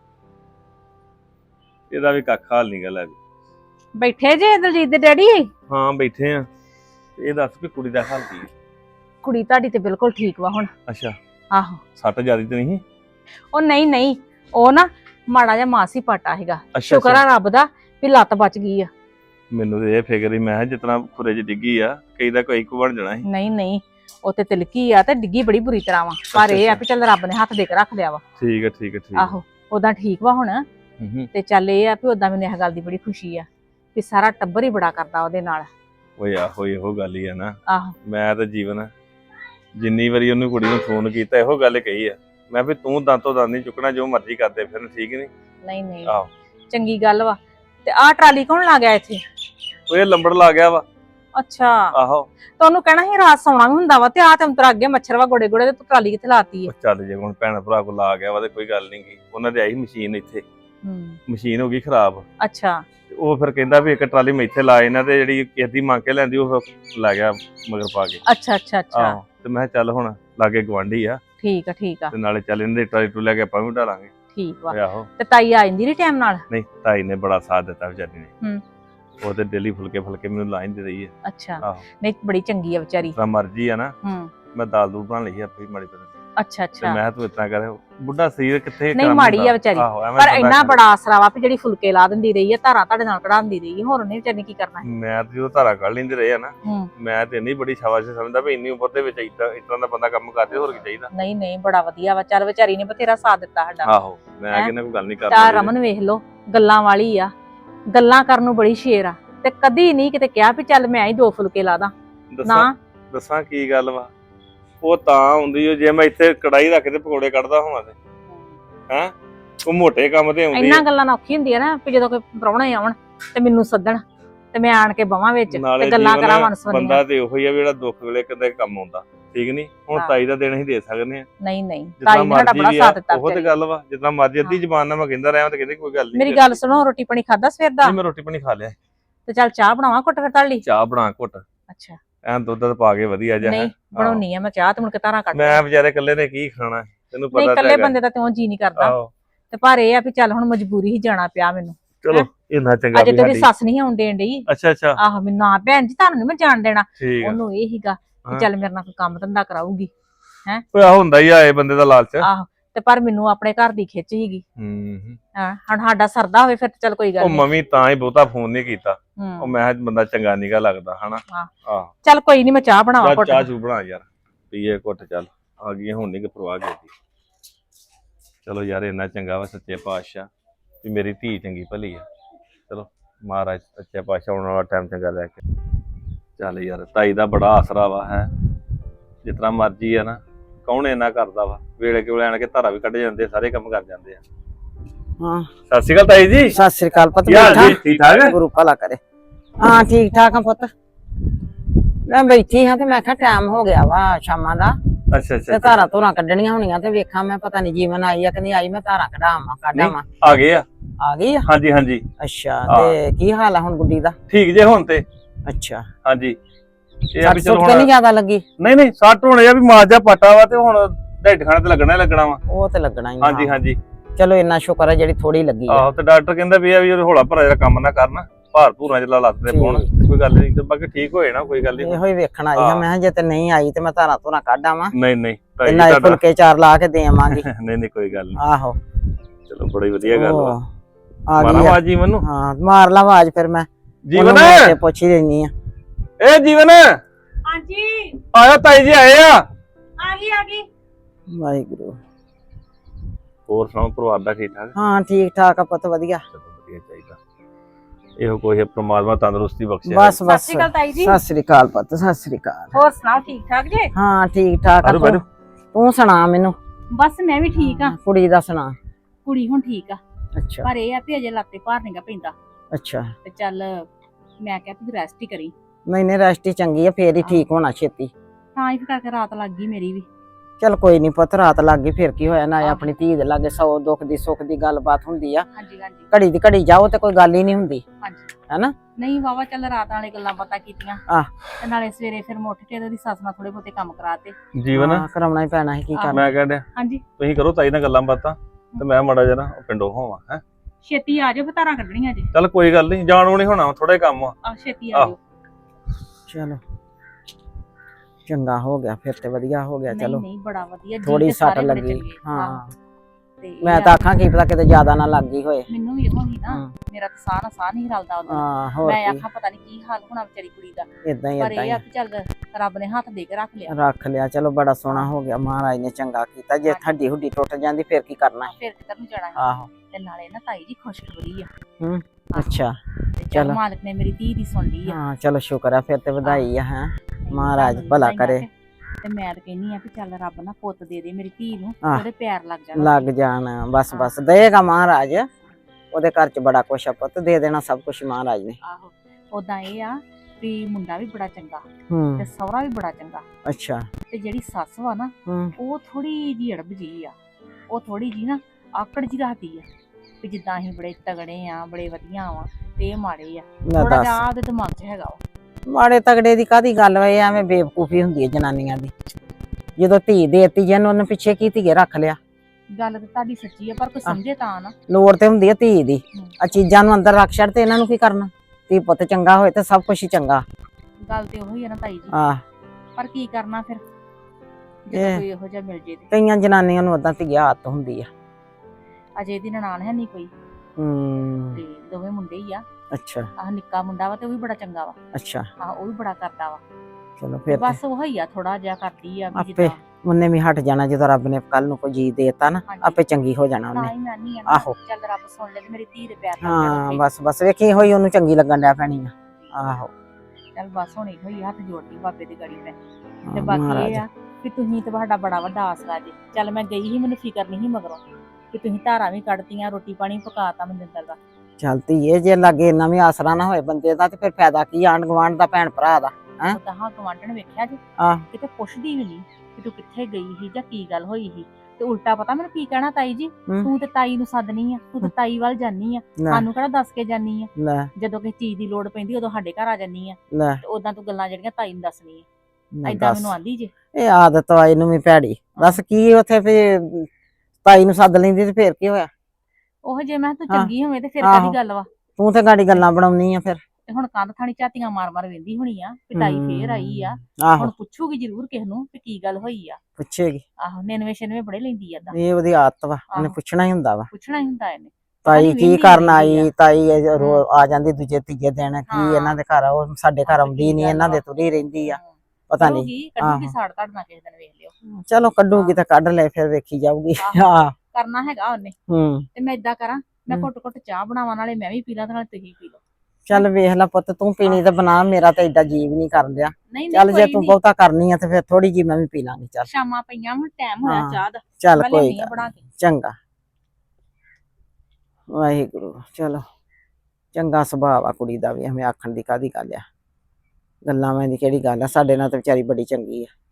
ਇਹਦਾ ਵੀ ਕੱਖ ਹਾਲ ਨਹੀਂ ਗਾ ਲੈ ਵੀ।
ਬੈਠੇ ਜੇ ਦਲਜੀਤ ਦੇ ਡੈਡੀ?
ਹਾਂ ਬੈਠੇ ਆ। ਇਹ ਦੱਸ ਵੀ ਕੁੜੀ ਦਾ ਹਾਲ ਕੀ ਹੈ?
ਕੁੜੀ ਤੁਹਾਡੀ ਤੇ ਬਿਲਕੁਲ ਠੀਕ ਵਾ ਹੁਣ।
ਅੱਛਾ,
ਆਹੋ।
ਸੱਟ ਜਿਆਦੀ ਤੇ ਨਹੀਂ?
ਉਹ ਨਹੀਂ ਉਹ ਨਾ ਮਾੜਾ ਜਿਹਾ ਮਾਸੀ ਪਾਟਾ ਹੈਗਾ।
ਅੱਛਾ,
ਸ਼ੁਕਰ ਆ ਰੱਬ ਦਾ ਵੀ ਲੱਤ ਬਚ ਗਈ ਆ।
ਮੈਨੂੰ ਤੇ ਇਹ ਫਿਕਰ ਹੀ, ਮੈਂ ਕਿਹਾ ਜਿਤਨਾ ਖੁਰੇ 'ਚ ਡਿੱਗੀ ਆ ਕਈ ਦਾ ਕੋਈ ਕੋ ਬਣ ਜਾਣਾ ਸੀ।
ਨਹੀਂ ਉਹ ਤੇ ਤਿਲਕੀ ਆ ਤੇ ਡਿੱਗੀ ਬੜੀ ਬੁਰੀ ਤਰ੍ਹਾਂ ਵਾ, ਪਰ ਇਹ ਆ ਵੀ ਚੱਲ ਰੱਬ ਨੇ ਹੱਥ ਦੇ ਕੇ ਰੱਖ ਲਿਆ ਵਾ।
ਠੀਕ ਹੈ ਠੀਕ ਹੈ ਠੀਕ ਹੈ।
ਆਹੋ ਉਦਾਂ ਠੀਕ ਵਾ ਹੁਣ।
ਹੂੰ।
ਤੇ ਚੱਲ ਇਹ ਆ ਵੀ ਉਦਾਂ ਮੈਨੂੰ ਇਹ ਗੱਲ ਦੀ ਬੜੀ ਖੁਸ਼ੀ ਆ ਵੀ ਸਾਰਾ ਟੱਬਰ ਹੀ ਬੜਾ ਕਰਦਾ ਉਹਦੇ ਨਾਲ।
ਓਏ ਆਹੋ ਇਹੋ ਗੱਲ ਹੀ ਆ ਨਾ।
ਆਹੋ
ਮੈਂ ਤਾਂ ਜੀਵਨ ਜਿੰਨੀ ਵਾਰੀ ਉਹਨੂੰ ਕੁੜੀ ਨੂੰ ਫੋਨ ਕੀਤਾ ਇਹੋ ਗੱਲ ਕਹੀ ਆ, ਮੈਂ ਵੀ ਤੂੰ ਦਾਂਤੋਂ ਦੰਦ ਨਹੀਂ ਚੁੱਕਣਾ, ਜੋ ਮਰਜ਼ੀ ਕਰਦੇ ਫਿਰ, ਠੀਕ ਨਹੀਂ?
ਨਹੀਂ
ਆਹੋ।
ਚੰਗੀ ਗੱਲ ਵਾ। ਤੇ ਆਹ ਟਰਾਲੀ ਕੌਣ ਲਾ ਗਿਆ ਇੱਥੇ?
ਉਹ ਇਹ ਲੰਬੜ ਲਾ ਗਿਆ ਵਾ।
ਅੱਛਾ,
ਆਹੋ।
ਤੁਹਾਨੂੰ ਕਹਿਣਾ ਸੀ ਰਾਤ ਸੌਣਾ ਵੀ ਹੁੰਦਾ ਵਾ, ਤੇ ਆ ਤੇ ਅੰਤਰ ਅੱਗੇ ਮੱਛਰ ਵਾ ਗੋੜੇ ਤੇ ਤੂੰ ਟਰਾਲੀ ਕਿੱਥੇ ਲਾਤੀ
ਉਹ ਚੱਲ ਜੇ ਹੁਣ ਭੈਣ ਭਰਾ ਕੋਲ ਲਾ ਗਿਆ ਵਾ ਤੇ ਕੋਈ ਗੱਲ ਨਹੀਂ ਗੀ, ਉਹਨਾਂ ਦੇ ਆਈ ਮਸ਼ੀਨ ਇੱਥੇ, ਮਸ਼ੀਨ ਹੋ ਗਈ ਖਰਾਬ।
ਅੱਛਾ।
ਤੇ ਉਹ ਫਿਰ ਕਹਿੰਦਾ ਵੀ ਇੱਕ ਟਰਾਲੀ ਮੈਂ ਇੱਥੇ ਲਾ ਇਹਨਾਂ ਤੇ ਜਿਹੜੀ ਕਿਸੇ ਦੀ ਮੰਗ ਕੇ ਲੈਂਦੀ ਉਹ ਲੈ ਗਿਆ ਮਗਰ ਪਾ ਕੇ।
ਅੱਛਾ
ਆਹੋ, ਤੇ ਮੈਂ ਕਿਹਾ ਚੱਲ ਹੁਣ ਲਾਗੇ ਗਵਾਂਢੀ ਆ
ਠੀਕ ਆ
ਤੇ ਨਾਲੇ ਚੱਲ ਇਹਨਾਂ ਦੀ ਟਰਾਲੀ ਟੂ ਲੈ ਕੇ ਆਪਾਂ ਵੀ ਢਾਲਾਂਗੇ।
ਠੀਕ ਵਾ।
ਆਹੋ।
ਤੇ ਤਾਈ ਆ ਜਾਂਦੀ ਨੀ ਟਾਈਮ ਨਾਲ?
ਨਹੀਂ, ਤਾਈ ਨੇ ਬੜਾ ਸਾਥ ਦਿੱਤਾ ਵਿਚਾਰੀ ਨੇ।
ਹੂੰ।
ਉਹ ਤੇ ਡੇਲੀ ਫੁਲਕੇ ਮੈਨੂੰ ਲਾ ਹੀ ਦੇ ਰਹੀ ਹੈ।
ਅੱਛਾ।
ਆਹੋ।
ਨਹੀਂ ਬੜੀ ਚੰਗੀ ਆ ਵਿਚਾਰੀ।
ਤਾਂ ਮਰਜ਼ੀ ਆ ਨਾ।
ਹੂੰ।
ਮੈਂ ਦਾਲ ਦੂਲ ਬਣਾ ਲਈ ਆਪਣੀ ਮਾੜੀ ਬਣਾ।
ਅੱਛਾ
ਤੇ ਮੈਂ ਤੂੰ ਇਤਨਾ ਕਰ, ਬੁੱਢਾ ਸਰੀਰ ਕਿੱਥੇ
ਨਹੀਂ
ਕੰਮ
ਮਾੜੀ
ਹੁੰਦਾ।
ਆ ਵਿਚਾਰੀ,
ਆਹੋ, ਐਵੇਂ
ਪਰ
ਬੰਦਾ
ਇੰਨਾ
ਕਰ-
ਬੜਾ ਆਸਰਾ ਵਾ ਵੀ ਜਿਹੜੀ ਫੁਲਕੇ ਲਾ ਦਿੰਦੀ ਰਹੀ ਆ, ਧਾਰਾਂ ਤੁਹਾਡੇ ਨਾਲ ਕਢਾਉਂਦੀ ਰਹੀ ਆ, ਹੋਰ ਉਹਨੇ ਵਿਚਾਰੀ ਨੇ ਕੀ ਕਰਨਾ?
ਮੈਂ ਤੇ ਜਦੋਂ ਧਾਰਾ ਕੱਢ ਲੈਂਦੇ ਰਹੇ ਆ ਨਾ,
ਹੂੰ।
ਮੈਂ ਤੇ ਇੰਨੀ ਬੜੀ ਸ਼ਾਬਾਸ਼ ਸਮਝਦਾ ਵੀ ਇੰਨੀ ਉਮਰ ਦੇ ਵਿੱਚ ਇਤਨਾ ਦਾ ਬੰਦਾ ਕੰਮ ਕਰਦੇ, ਹੋਰ ਕੀ ਚਾਹੀਦਾ।
ਨਹੀਂ ਬੜਾ ਵਧੀਆ ਵਾ, ਚੱਲ ਵਿਚਾਰੀ ਨੇ ਬਥੇਰਾ ਸਾਥ ਦਿੱਤਾ ਸਾਡਾ।
ਆਹੋ, ਮੈਂ ਕਹਿੰਦਾ ਕੋਈ ਗੱਲ ਨਹੀਂ
ਤਾਂ
ਕਰਦਾ।
ਰਮਨ ਵੇਖ ਲੋ, ਗੱਲਾਂ ਵਾਲੀ ਆ, ਗੱਲਾਂ ਕਰਨ ਨੂੰ ਬੜੀ ਸ਼ੇਰ ਆ, ਤੇ ਕਦੀ ਨਹੀਂ ਕਿਤੇ ਕਿਹਾ ਵੀ ਚੱਲ ਮੈਂ ਹੀ 2 ਫੁਲਕੇ ਲਾ ਦਾਂ ਨਾ।
ਦੱਸਾਂ ਕੀ ਗੱਲ ਵਾ, ਉਹ ਤਾਂ ਆਉਂਦੀ ਓ ਜੇ ਮੈਂ ਇੱਥੇ ਕੜਾਈ ਰੱਖ ਕੇ ਪਕੌੜੇ ਕੱਢਦਾ ਹੋਵਾਂ ਤੇ ਹੈ, ਉਹ ਮੋਟੇ ਕੰਮ ਤੇ ਆਉਂਦੀ
ਇੰਨਾ ਗੱਲਾਂ ਨਾਲ ਔਖੀ ਹੁੰਦੀ ਆ ਨਾ ਵੀ ਜਦੋਂ ਕੋਈ ਪ੍ਰਾਹੁਣੇ ਆਉਣ ਤੇ ਮੈਨੂੰ ਸੱਦਣ ਤੇ ਮੈਂ ਆਣ ਕੇ ਬਵਾਂ ਵਿੱਚ
ਨਾਲੇ
ਤੇ ਗੱਲਾਂ
ਜੀਵਨ
ਕਰਾਂ ਮਨਸਵਨੀਆਂ।
ਬੰਦਾ ਤੇ ਉਹੀ ਆ ਜਿਹੜਾ ਦੁੱਖ ਵੇਲੇ ਕਦੇ ਕੰਮ ਆਉਂਦਾ, ਠੀਕ ਨਹੀਂ? ਹੁਣ
ਹਾਂ।
ਤਾਈ ਦਾ ਦਿਨ ਹੀ ਦੇ ਸਕਦੇ ਆ,
ਨਹੀਂ
ਜਿੰਨਾ
ਤਾਈ ਨੇ ਸਾਡਾ ਬੜਾ
ਮਰਜ਼ੀ
ਸਾਥ ਦਿੱਤਾ
ਉਹ ਤੇ
ਵਿਚਾਰੀ।
ਗੱਲ ਵਾ, ਜਿੰਨਾ ਮਰਜ਼ੀ ਅੱਧੀ
ਹਾਂ।
ਜ਼ਬਾਨ ਨਾਲ ਮੈਂ ਕਹਿੰਦਾ ਰਿਹਾ ਤੇ ਕਹਿੰਦੇ ਕੋਈ ਗੱਲ ਨਹੀਂ।
ਮੇਰੀ ਗੱਲ ਸੁਣੋ, ਰੋਟੀ ਪਾਣੀ ਖਾਦਾ ਸਵੇਰ ਦਾ?
ਮੈਂ ਰੋਟੀ ਪਾਣੀ ਖਾ ਲਿਆ।
ਤੇ ਚੱਲ ਚਾਹ ਬਣਾਵਾਂ ਘੁੱਟ ਫਿਰ ਤਾਲੀ?
ਚਾਹ ਬਣਾ ਘੁੱਟ,
ਅੱਛਾ।
ਐਂ ਦੁੱਧ ਪਾ ਕੇ ਵਧੀਆ ਜਿਹਾ।
ਨਹੀਂ ਬਣਾਉਣੀ ਆ ਮੈਂ ਚਾਹ, ਤੇ ਮੁੜ ਕੇ ਧਾਰਾਂ ਕੱਢ
ਮੈਂ ਵਿਚਾਰੇ ਇਕੱਲੇ ਨੇ ਕੀ ਖਾਣਾ, ਤੈਨੂੰ
ਨਹੀਂ
ਪਤਾ ਤਾਂ
ਇਕੱਲੇ
ਹੈਗਾ।
ਬੰਦੇ ਦਾ ਤੇ ਉਹ ਜੀ ਨਹੀਂ ਕਰਦਾ,
ਆਹੋ,
ਤੇ ਪਰ ਇਹ ਆ ਵੀ ਚੱਲ ਹੁਣ ਮਜਬੂਰੀ ਹੀ ਜਾਣਾ ਪਿਆ ਮੈਨੂੰ।
ਚਲੋ ਇੰਨਾ ਚੰਗਾ
ਅਜੇ
ਵੀ
ਤੇਰੀ
ਸਾਡੀ।
ਸੱਸ ਨਹੀਂ ਆਉਣ ਦੇਣ ਡਈ।
ਅੱਛਾ
ਆਹੋ ਮੈਨੂੰ ਆ ਭੈਣ ਜੀ ਤੁਹਾਨੂੰ ਨੀ ਮੈਂ ਜਾਣ ਦੇਣਾ,
ਠੀਕ ਆ।
ਉਹਨੂੰ ਇਹ ਹੀਗਾ ਕਿ
ਹਾਂ।
ਚੱਲ ਮੇਰੇ ਨਾਲ ਕੋਈ ਕੰਮ ਧੰਦਾ ਕਰਾਊਗੀ।
ਓਏ ਆ ਹੁੰਦਾ ਹੀ ਆ ਇਹ ਬੰਦੇ ਦਾ ਲਾਲਚ।
ਆਹੋ, ਤੇ ਪਰ ਮੈਨੂੰ ਆਪਣੇ ਘਰ ਦੀ ਖਿੱਚ ਹੀਗੀ।
ਹੂੰ।
ਹਾਂ, ਹੁਣ ਸਾਡਾ ਸਰਦਾ ਹੋਵੇ ਫਿਰ ਤੇ ਚੱਲ ਕੋਈ ਗੱਲ
ਉਹ
ਨਹੀਂ।
ਮੰਮੀ ਤਾਂ ਹੀ ਬਹੁਤਾ ਫੋਨ ਨਹੀਂ ਕੀਤਾ, ਉਹ ਮੈਂ ਕਿਹਾ ਬੰਦਾ ਚੰਗਾ ਨਿਗਾ ਲੱਗਦਾ ਹਨਾ।
ਹਾਂ।
ਆਹ
ਚੱਲ ਕੋਈ ਨਹੀਂ ਮੈਂ ਚਾਹ ਬਣਾਵਾਂ ਘੁੱਟ।
ਚਾਹ ਚੂ ਬਣਾ ਯਾਰ, ਪੀਏ ਘੁੱਟ, ਚੱਲ ਆ ਗਈ ਹੁਣ ਨਹੀਂ ਕਿ ਪਰਵਾਹ ਕੀਤੀ। ਚਲੋ ਯਾਰ ਇੰਨਾ ਚੰਗਾ ਵਾ ਸੱਚੇ ਪਾਤਸ਼ਾਹ ਵੀ ਮੇਰੀ ਧੀ ਚੰਗੀ ਭਲੀ ਆ। ਚਲੋ ਮਹਾਰਾਜ ਸੱਚੇ ਪਾਤਸ਼ਾਹ ਆਉਣ ਵਾਲਾ ਟਾਈਮ ਚੰਗਾ ਲੈ ਕੇ। ਚੱਲ ਯਾਰ ਤਾਈ ਦਾ ਬੜਾ ਆਸਰਾ ਵਾ ਹੈ, ਜਿਤਨਾ ਮਰਜੀ ਆ ਨਾ, ਕੌਣ ਇੰਨਾ ਕਰਦਾ ਵਾ, ਵੇਲੇ ਕੋਲੇ ਆਣ ਕੇ ਧਾਰਾ ਵੀ ਕੱਢ ਜਾਂਦੇ, ਸਾਰੇ ਕੰਮ ਕਰ ਜਾਂਦੇ ਆ।
ਹਾਂ,
ਸਤਿ ਸ਼੍ਰੀ ਅਕਾਲ ਤਾਈ ਜੀ।
ਸਤਿ ਸ੍ਰੀ ਅਕਾਲ ਪੁੱਤ।
ਕੀ ਹਾਲ ਜੀ?
ਬੈਠਾ?
ਠੀਕ ਠਾਕ?
ਗੁਰੂ ਭਲਾ ਕਰੇ। ਹਾਂ ਠੀਕ ਠਾਕ ਆ ਪੁੱਤ। ਮੈਂ ਬੈਠੀ ਹਾਂ ਤੇ ਮੈਂ ਕਿਹਾ ਟਾਈਮ ਹੋ ਗਿਆ ਵਾ ਸ਼ਾਮਾਂ ਦਾ,
ਅੱਛਾ
ਤੇ ਧਾਰਾਂ ਧੁਰਾਂ ਕੱਢਣੀਆਂ ਹੋਣੀਆਂ, ਤੇ ਵੇਖਾਂ ਮੈਂ ਪਤਾ ਨਹੀਂ ਜੀਵਨ ਆਈ ਆ ਕਿ ਨਹੀਂ ਆਈ, ਮੈਂ ਧਾਰਾਂ ਕੱਢਾਵਾਂ।
ਆ ਗਏ ਆ?
ਆ ਗਈ ਆ?
ਹਾਂਜੀ ਹਾਂਜੀ।
ਅੱਛਾ, ਤੇ ਕੀ ਹਾਲ ਆ ਹੁਣ ਗੁੱਡੀ ਦਾ?
ਠੀਕ ਜੇ ਹੁਣ ਤੇ?
ਅੱਛਾ,
ਹਾਂਜੀ। ਇਹ ਆ ਵੀ
ਸੱਟ
ਚਲੋ
ਸੁੱਟ ਤੇ
ਹੁਣ
ਨਹੀਂ ਜ਼ਿਆਦਾ ਲੱਗੀ?
ਨਹੀਂ ਸੱਟ ਹੋਣੇ ਆ ਵੀ ਮਾਜਾ ਪਟਾ ਵਾ, ਤੇ ਹੁਣ ਢਿੱਡ ਖਾਣੇ ਤੇ ਲੱਗਣਾ ਹੀ ਲੱਗਣਾ ਵਾ।
ਉਹ ਤੇ ਲੱਗਣਾ ਹੀ ਆ।
ਹਾਂਜੀ ਹਾਂਜੀ।
ਚਲੋ ਇੰਨਾ ਸ਼ੁਕਰ ਹੈ ਜਿਹੜੀ ਥੋੜੀ ਲੱਗੀ ਆ।
ਆਹੋ, ਤੇ ਡਾਕਟਰ ਕਹਿੰਦਾ ਵੀ ਇਹ ਹੌਲਾ ਭਰਾ ਜਿਹੜਾ ਕੰਮ ਨਾ ਕਰਨ, ਭਾਰ ਭੂਰਾਂ ਚ ਲੱਤ ਤੇ ਪਾਉਣ, ਕੋਈ ਗੱਲ ਨਹੀਂ, ਤੇ ਬਾਕੀ ਠੀਕ ਹੋਏ ਨਾ, ਕੋਈ ਗੱਲ ਨਹੀਂ।
ਇਹੋ ਹੀ ਵੇਖਣ ਆਈ ਹਾਂ, ਮੈਂ ਕਿਹਾ ਜੇ ਤੇ ਨਹੀਂ ਆਈ ਤੇ ਮੈਂ ਧਾਰਾਂ ਧੁਰਾਂ ਕੱਢ ਆਵਾਂ,
ਨਹੀਂ
ਤੇ ਨਾਲ ਫੁਲਕੇ 4 ਲਾ ਕੇ ਦੇ ਆਵਾਂਗੀ।
ਨਹੀਂ ਕੋਈ ਗੱਲ ਨਹੀਂ।
ਆਹੋ,
ਚਲੋ ਬੜੀ ਵਧੀਆ ਗੱਲ ਵਾ।
ਆ
ਮਾਰਾ
ਗਈ ਆ।
ਆਵਾਜ਼ ਜੀਵਨ ਨੂੰ।
ਹਾਂ ਮਾਰ ਲਾ ਆਵਾਜ਼, ਫਿਰ ਮੈਂ
ਜੀਵਨ,
ਉਹਨੂੰ ਪੁੱਛ ਹੀ ਲੈਣੀ ਆ।
ਇਹ ਜੀਵਨ,
ਹਾਂਜੀ
ਆਇਆ ਤਾਈ ਜੀ ਆਏ ਆ।
ਆ ਗਈ
ਵਾਹਿਗੁਰੂ।
ਹੋਰ ਸੁਣਾਓ ਪਰਿਵਾਰ ਦਾ ਠੀਕ ਠਾਕ?
ਹਾਂ ਠੀਕ ਠਾਕ ਆ ਪੁੱਤ ਵਧੀਆ।
ਚਲੋ ਵਧੀਆ ਚਾਹੀਦਾ। ਇਹੋ ਕੋਈ ਹੈ, ਪ੍ਰਮਾਤਮਾ ਤੰਦਰੁਸਤੀ ਬਖਸ਼ੇ।
ਬਸ
ਸਤਿ
ਬਸ
ਸ਼੍ਰੀ ਅਕਾਲ ਤਾਈ ਜੀ।
ਸਤਿ ਸ੍ਰੀ ਅਕਾਲ ਪੁੱਤ ਸਤਿ ਸ੍ਰੀ ਅਕਾਲ।
ਹੋਰ ਸੁਣਾਓ ਠੀਕ ਠਾਕ ਜੇ?
ਹਾਂ ਠੀਕ ਠਾਕ ਆ
ਆਜੋ ਬੈਠੋ।
ਤੂੰ ਸੁਣਾ ਮੈਨੂੰ
ਬਸ ਮੈਂ ਵੀ ਠੀਕ ਆ।
ਕੁੜੀ ਦਾ ਸੁਣਾ।
ਕੁੜੀ ਹੁਣ ਠੀਕ ਆ
ਅੱਛਾ
ਪਰ ਇਹ ਆ ਵੀ ਅਜੇ ਲੱਤੇ ਭਾਰ ਨਹੀਂਗਾ ਪੈਂਦਾ
ਅੱਛਾ
ਤੇ ਚੱਲ ਮੈਂ ਕਿਹਾ ਤੂੰ ਰੈਸਟ ਹੀ ਕਰੀ
ਨਹੀਂ ਰੈਸਟ ਹੀ ਚੰਗੀ ਆ ਫੇਰ ਹੀ ਠੀਕ ਹੋਣਾ ਛੇਤੀ।
ਤਾਂ ਹੀ ਫਿਰ ਕਰਕੇ ਰਾਤ ਲੱਗ ਗਈ ਮੇਰੀ ਵੀ।
ਚਲ ਕੋਈ ਨਹੀਂ ਪੁੱਤ ਰਾਤ ਲੱਗ ਗਈ ਫਿਰ ਕੀ ਹੋਇਆ ਨਾ
ਆਹੋ।
ਆਪਣੀ ਧੀ ਦੇ ਲਾਗੇ ਸੌ ਦੁੱਖ ਦੀ ਸੁੱਖ ਦੀ ਗੱਲਬਾਤ ਹੁੰਦੀ ਆ।
ਹਾਂਜੀ ਹਾਂਜੀ
ਘੜੀ ਦੀ ਘੜੀ ਜਾਓ ਤੇ ਕੋਈ ਗੱਲ ਹੀ ਨਹੀਂ ਹੁੰਦੀ
ਹਾਂਜੀ
ਹੈਨਾ।
ਨਹੀਂ ਵਾਵਾ ਚੱਲ ਰਾਤ ਵਾਲੇ ਗੱਲਾਂ ਬਾਤਾਂ ਕੀਤੀਆਂ
ਆਹ।
ਤੇ ਨਾਲੇ ਸਵੇਰੇ ਫਿਰ ਮੈਂ ਉੱਠ ਕੇ ਉਹਦੀ ਸੱਸ ਨਾਲ ਥੋੜੇ ਬਹੁਤੇ ਕੰਮ ਕਰਾਤੇ।
ਜੀਵਨ
ਹਾਂ, ਕਰਾਉਣਾ ਹੀ ਪੈਣਾ ਸੀ ਕੀ
ਆਹੋ।
ਕਰਨਾ।
ਮੈਂ ਕਹਿੰਦਾ
ਹਾਂਜੀ
ਤੁਸੀਂ ਕਰੋ ਤਾਈ ਨਾਲ ਗੱਲਾਂ ਬਾਤਾਂ ਤੇ ਮੈਂ ਮਾੜਾ ਜਿਹਾ ਨਾ ਪਿੰਡੋਂ ਹੋਵਾਂ ਹੈ।
ਛੇਤੀ ਆ ਜਾਓ ਫਿਰ ਧਾਰਾਂ ਕੱਢਣੀਆਂ ਜੇ।
ਚੱਲ ਕੋਈ ਗੱਲ ਨਹੀਂ, ਜਾਣੂ ਨਹੀਂ ਹੋਣਾ, ਥੋੜਾ ਕੰਮ ਆ।
ਆ ਛੇਤੀ ਆ
ਆਹੋ।
ਜਾਓ।
ਚਲੋ ਚੰਗਾ ਹੋ ਗਿਆ ਫਿਰ ਤੇ ਵਧੀਆ ਹੋ ਗਿਆ।
ਨਹੀਂ
ਚਲੋ
ਨਹੀਂ ਬੜਾ ਵਧੀਆ ਜੀ
ਥੋੜੀ
ਤੇ
ਸੱਟ
ਸਾਰੇ ਬੜੇ
ਲੱਗੀ
ਚੰਗੇ।
ਹਾਂ
ਤੇ ਇਹ
ਮੈਂ
ਆ,
ਤਾਂ ਆਖਾਂ ਕੀ ਪਤਾ ਕਿਤੇ ਜ਼ਿਆਦਾ ਨਾ ਲੱਗ ਗਈ ਹੋਏ।
ਮੈਨੂੰ ਵੀ ਇਹੋ ਹੀ ਨਾ
ਹਾਂ।
ਮੇਰਾ ਤਾਂ ਸਾਹ ਨਾਲ ਸਾਹ ਨਹੀਂ ਰਲਦਾ ਉਹਦਾ।
ਹਾਂ ਹੋਰ
ਮੈਂ
ਕੀ
ਆਖਾਂ ਪਤਾ ਨਹੀਂ ਕੀ ਹਾਲ ਹੋਣਾ ਵਿਚਾਰੀ ਕੁੜੀ ਦਾ।
ਇਦਾਂ ਹੀ
ਪਰ
ਇਦਾਂ
ਇਹ
ਹੀ
ਆ ਕਿ ਚੱਲ ਰੱਬ ਨੇ ਹੱਥ ਦੇ ਕੇ ਰੱਖ ਲਿਆ।
ਰੱਖ ਲਿਆ। ਚਲੋ ਬੜਾ ਸੋਹਣਾ ਹੋ ਗਿਆ, ਮਹਾਰਾਜ ਨੇ ਚੰਗਾ ਕੀਤਾ। ਜੇ ਹੱਡੀ ਹੁੱਡੀ ਟੁੱਟ ਜਾਂਦੀ ਫਿਰ ਕੀ ਕਰਨਾ ਸੀ?
ਫਿਰ ਕਿੱਧਰ ਨੂੰ ਜਾਣਾ ਹੈ।
ਆਹੋ
ਤੇ ਨਾਲੇ ਨਾ ਤਾਈ ਜੀ ਖੁਸ਼ਖਬਰੀ ਆ।
ਹੂੰ
ਆਹੋ।
ਅੱਛਾ
ਤੇ ਚੱਲ
ਚਲੋ।
ਮਾਲਕ ਨੇ ਮੇਰੀ ਧੀ ਦੀ ਸੁਣ ਲਈ ਆ।
ਹਾਂ ਚਲੋ ਸ਼ੁਕਰ ਆ ਫਿਰ ਤੇ ਵਧਾਈ ਆ ਹੈ। ਮਹਾਰਾਜ
ਤੁਹਾਨੂੰ
ਭਲਾ
ਵਧਾਈਆਂ
ਕਰੇ।
ਤੇ ਮੈਂ ਤਾਂ ਕਹਿੰਨੀ ਆ ਵੀ ਚੱਲ ਰੱਬ ਨਾ ਪੁੱਤ ਦੇ ਦੇ ਮੇਰੀ ਧੀ ਨੂੰ
ਆਹ।
ਉਹਦੇ ਪੈਰ ਲੱਗ ਜਾਣ।
ਲੱਗ ਜਾਣ ਬਸ ਬਸ ਦੇਗਾ ਮਹਾਰਾਜ। ਉਹਦੇ ਘਰ ਚ ਬੜਾ ਕੁਛ ਆ ਪੁੱਤ, ਦੇ ਦੇਣਾ ਸਭ ਕੁਛ ਮਹਾਰਾਜ ਨੇ।
ਆਹੋ ਉਦਾਂ ਇਹ ਆ ਵੀ ਮੁੰਡਾ ਵੀ ਬੜਾ ਚੰਗਾ ਤੇ
ਹੂੰ
ਸਹੁਰਾ ਵੀ ਬੜਾ ਚੰਗਾ।
ਅੱਛਾ
ਤੇ ਜਿਹੜੀ ਸੱਸ ਵਾ ਨਾ
ਹੂੰ
ਉਹ ਥੋੜੀ ਜਿਹੀ ਅੜਬ ਜੀ ਆ। ਉਹ ਥੋੜੀ ਜੀ ਨਾ ਆਕੜ ਜੀ ਰਹਤੀ ਆ ਵੀ ਜਿੱਦਾਂ ਅਸੀਂ ਬੜੇ ਤਗੜੇ ਆ ਬੜੇ ਵਧੀਆ ਵਾ ਤੇ ਇਹ ਮਾੜੇ ਆ।
ਲੈ
ਥੋੜਾ
ਦੱਸ
ਜਿਹਾ ਉਹਦੇ ਦਿਮਾਗ 'ਚ ਹੈਗਾ ਵਾ।
ਮਾੜੇ ਤਗੜੇ ਦੀ ਕਾਦੀ ਗੱਲ ਵਾ, ਇਹ ਐਵੇਂ ਬੇਵਕੂਫੀ ਹੁੰਦੀ ਹੈ ਜਨਾਨੀਆਂ ਦੀ। ਜਦੋਂ ਧੀ ਦੇਤੀ ਜਨ ਉਹਨੇ ਪਿੱਛੇ ਕੀ ਧੀਏ ਰੱਖ ਲਿਆ।
ਗੱਲ ਤਾਂ ਤੁਹਾਡੀ ਸੱਚੀ ਆ ਪਰ ਕੋਈ ਸਮਝੇ ਤਾਂ ਨਾ।
ਲੋੜ ਤੇ ਹੁੰਦੀ ਹੈ ਧੀ ਦੀ। ਆ ਚੀਜ਼ਾਂ ਨੂੰ ਅੰਦਰ ਰੱਖ ਛੱਡ ਤੇ ਇਹਨਾਂ ਨੂੰ ਕੀ ਕਰਨਾ। ਧੀ ਪੁੱਤ ਚੰਗਾ ਹੋਏ ਤੇ ਸਭ ਕੁਝ ਹੀ ਚੰਗਾ।
ਗੱਲ ਤੇ ਉਹੀ ਆ ਨਾ ਤਾਈ ਜੀ।
ਆਹ
ਪਰ ਕੀ ਕਰਨਾ ਫਿਰ ਜਦੋਂ
ਇਹ-
ਕੋਈ ਇਹੋ ਜਿਹਾ ਮਿਲ ਜੇ ਤੇ।
ਕਈਆਂ ਜਨਾਨੀਆਂ ਨੂੰ ਓਦਾਂ ਧੀਆ ਆਦਤ ਹੁੰਦੀ ਆ।
ਅਜੇ ਇਹਦੀ ਨਨਾਣ ਹੈ ਨਹੀਂ ਕੋਈ
ਹੂੰ
ਤੇ ਦੋਵੇਂ ਮੁੰਡੇ ਹੀ ਆ।
ਅੱਛਾ
ਆਹ ਨਿੱਕਾ ਮੁੰਡਾ ਵਾ ਤੇ ਉਹ ਵੀ ਬੜਾ ਚੰਗਾ ਵਾ।
ਅੱਛਾ
ਆਹ ਉਹ ਵੀ ਬੜਾ ਕਰਦਾ ਵਾ।
ਚਲੋ ਫਿਰ ਤੇ
ਬਸ ਉਹ ਹੀ ਆ ਥੋੜਾ ਜਿਹਾ ਕਰਦੀ ਆ ਵੀ
ਆਪੇ
ਜਿੱਦਾਂ
ਉਹਨੇ ਵੀ ਹਟ ਜਾਣਾ ਜਦੋਂ ਰੱਬ ਨੇ ਕੱਲ ਨੂੰ ਕੋਈ ਜੀ ਦੇਤਾ ਨਾ।
ਹਾਂਜੀ।
ਆਪੇ ਚੰਗੀ ਹੋ ਜਾਣਾ
ਤਾਂ
ਉਹਨੇ।
ਹੀ ਮੈਂ ਨਹੀਂ ਆ ਨਾ,
ਆਹੋ।
ਚੱਲ ਰੱਬ ਸੁਣ ਲੈ ਤੇ ਮੇਰੀ ਧੀ ਦੇ ਪਿਆਰ ਲੱਗ
ਹਾਂ
ਜਾਣਾ
ਬਸ ਬਸ ਵੇਖੀ ਹੋਈ ਉਹਨੂੰ ਚੰਗੀ ਲੱਗਣ ਡਿਆ ਪੈਣੀ ਆ। ਆਹੋ
ਚੱਲ ਬਸ ਹੁਣ ਇਹੋ ਹੀ ਹੱਥ ਜੋੜਦੀ ਬਾਬੇ ਦੀ ਗੜੀ ਮੈਂ। ਤੇ
ਹਾਂ,
ਬਾਕੀ
ਮਹਾਰਾਜ
ਇਹ ਆ ਵੀ ਤੁਸੀਂ ਤੁਹਾਡਾ ਬੜਾ ਵੱਡਾ ਆਸਰਾ ਜੇ। ਚੱਲ ਮੈਂ ਗਈ ਸੀ ਮੈਨੂੰ ਫਿਕਰ ਨਹੀਂ ਸੀ ਮਗਰੋਂ ਕਿ ਤੁਸੀਂ ਧਾਰਾਂ ਵੀ ਕੱਢਤੀਆਂ ਰੋਟੀ ਪਾਣੀ ਪਕਾਤਾ ਮਨਿੰਦਰ ਦਾ।
ਚੱਲ ਧੀਏ ਜੇ ਲਾਗੇ ਇੰਨਾ ਵੀ ਆਸਰਾ ਨਾ ਹੋਏ ਬੰਦੇ ਦਾ ਤੇ ਫਿਰ ਫਾਇਦਾ ਕੀ ਆਂਢ ਗੁਆਂਢ ਦਾ ਭੈਣ ਭਰਾ ਦਾ। ਹੈਂ?
ਉਹ ਤਾਂ ਗਵਾਂਢਣ ਵੇਖਿਆ ਜੀ
ਆਹ।
ਕਿਤੇ ਪੁੱਛਦੀ ਵੀ ਨਹੀਂ ਕਿ ਤੂੰ ਕਿੱਥੇ ਗਈ ਸੀ ਜਾਂ ਕੀ ਗੱਲ ਹੋਈ ਸੀ। ਤੇ ਉਲਟਾ ਪਤਾ ਮੈਨੂੰ ਕੀ ਕਹਿਣਾ ਤਾਈ ਜੀ
ਹੂੰ।
ਤੂੰ ਤੇ ਤਾਈ ਨੂੰ ਸੱਦਣੀ ਆ ਤੂੰ ਤੇ ਤਾਈ ਵੱਲ ਜਾਨੀ ਆ
ਲੈ
ਸਾਨੂੰ ਕਿਹੜਾ ਦੱਸ ਕੇ ਜਾਨੀ ਆ।
ਲੈ
ਜਦੋਂ ਕਿਸੇ ਚੀਜ਼ ਦੀ ਲੋੜ ਪੈਂਦੀ ਉਦੋਂ ਸਾਡੇ ਘਰ ਆ ਜਾਨੀ ਆ
ਲੈ
ਤੇ ਉਦਾਂ ਤੂੰ ਗੱਲਾਂ ਜਿਹੜੀਆਂ ਤਾਈ ਨੂੰ ਦੱਸਣੀ ਆ
ਲੈ
ਏਦਾਂ
ਦੱਸ।
ਮੈਨੂੰ ਆਂਦੀ ਜੇ।
ਇਹ ਆਦਤ ਆ ਇਹਨੂੰ ਵੀ ਭੈੜੀ। ਦੱਸ ਕੀ ਉੱਥੇ ਵੀ ਤਾਈ ਨੂੰ ਸੱਦ ਲੈਂਦੀ ਤੇ ਫਿਰ ਕੀ ਹੋਇਆ।
ਉਹ ਜੇ ਮੈਂ ਕਿਹਾ ਤੂੰ
ਹਾਂ।
ਚੰਗੀ ਹੋਵੇਂ ਤੇ ਫਿਰ
ਆਹੋ।
ਕਾਹਦੀ ਗੱਲ ਵਾ।
ਤੂੰ ਤੇ ਗਾੜੀ ਗੱਲਾਂ ਬਣਾਉਣੀ ਆ ਫਿਰ।
ਤੇ ਹੁਣ ਕੰਧ ਥਾਣੀ ਝਾਤੀਆਂ ਮਾਰ ਵੇਂਦੀ ਹੋਣੀ ਆ ਵੀ ਤਾਈ ਫੇਰ ਆਈ ਆ।
ਆਹੋ
ਹੁਣ ਪੁੱਛੂਗੀ ਜ਼ਰੂਰ ਕਿਸ ਨੂੰ ਵੀ ਕੀ ਗੱਲ ਹੋਈ ਆ।
ਪੁੱਛੇਗੀ।
ਆਹੋ 99 ਬੜੇ ਲੈਂਦੀ ਆ ਏਦਾਂ।
ਇਹ ਉਹਦੀ ਆਦਤ ਵਾ ਉਹਨੇ
ਆਹੋ।
ਪੁੱਛਣਾ ਹੀ ਹੁੰਦਾ ਵਾ।
ਪੁੱਛਣਾ ਹੀ ਹੁੰਦਾ ਇਹਨੇ।
ਤਾਈ
ਨੀ
ਕੀ
ਵਿਹਲੀ
ਕਰਨ
ਰਹਿੰਦੀ
ਆਈ। ਤਾਈ ਇਹ ਆ ਜਾਂਦੀ ਦੂਜੇ ਤੀਜੇ ਦਿਨ
ਹਾਂ।
ਕੀ ਇਹਨਾਂ ਦੇ ਘਰ ਉਹ ਸਾਡੇ ਘਰ
ਹਾਂ,
ਆਉਂਦੀ
ਕੀ
ਨਹੀਂ
ਗੱਲ
ਇਹਨਾਂ ਦੇ
ਵਾ।
ਤੁਰੀ ਰਹਿੰਦੀ ਆ। ਪਤਾ ਨਹੀਂ
ਕੱਢੂਗੀ
ਆਹੋ।
ਸਾੜ ਤੁਹਾਡੇ ਨਾਲ ਕਿਸੇ ਦਿਨ ਵੇਖ ਲਿਓ।
ਚਲੋ ਕੱਢੂਗੀ ਤਾਂ ਕੱਢ ਲੈ ਫਿਰ ਵੇਖੀ ਜਾਊਗੀ।
ਆਹੋ।
ਹਾਂ
ਕਰਨਾ ਹੈਗਾ ਉਹਨੇ।
ਹੂੰ
ਤੇ ਮੈਂ ਇਦਾਂ ਕਰਾਂ ਮੈਂ
ਹਮ।
ਘੁੱਟ ਘੁੱਟ ਚਾਹ ਬਣਾਵਾਂ ਨਾਲੇ ਮੈਂ ਵੀ ਪੀ ਲਾਂ ਤੇ ਨਾਲੇ ਤੁਸੀਂ ਪੀ ਲਓ।
ਚੱਲ ਵੇਖ ਲੈ ਪੁੱਤ ਤੂੰ ਪੀਣੀ ਤਾਂ ਬਣਾ, ਮੇਰਾ ਤਾਂ ਏਡਾ ਜੀਵ ਨਹੀਂ ਕਰਨ ਡਿਆ।
ਨਹੀਂ
ਚੱਲ
ਨਹੀਂ
ਜੇ
ਕੋਈ
ਤੂੰ
ਨੀ।
ਬਹੁਤਾ ਕਰਨੀ ਆ ਤੇ ਫਿਰ ਥੋੜੀ ਜੀ ਮੈਂ ਵੀ ਪੀ ਲਾਂਗੀ। ਚੱਲ
ਸ਼ਾਮਾਂ ਪਈਆਂ ਹੁਣ ਟਾਈਮ ਹੋਇਆ
ਹਾਂ।
ਚਾਹ ਦਾ।
ਚੱਲ
ਮੈਂ
ਕੋਈ
ਲਿਆਉਣੀ ਆ
ਗੱਲ
ਬਣਾ ਕੇ।
ਚੰਗਾ। ਵਾਹਿਗੁਰੂ ਚਲੋ ਚੰਗਾ ਸੁਭਾਅ ਆ ਕੁੜੀ ਦਾ ਵੀ, ਐਵੇਂ ਆਖਣ ਦੀ ਕਾਹਦੀ ਗੱਲ ਆ। ਗੱਲਾਂ ਮੈਂ ਦੀ ਕਿਹੜੀ ਗੱਲ ਆ, ਸਾਡੇ ਨਾਲ ਤਾਂ ਵਿਚਾਰੀ ਬੜੀ ਚੰਗੀ ਆ।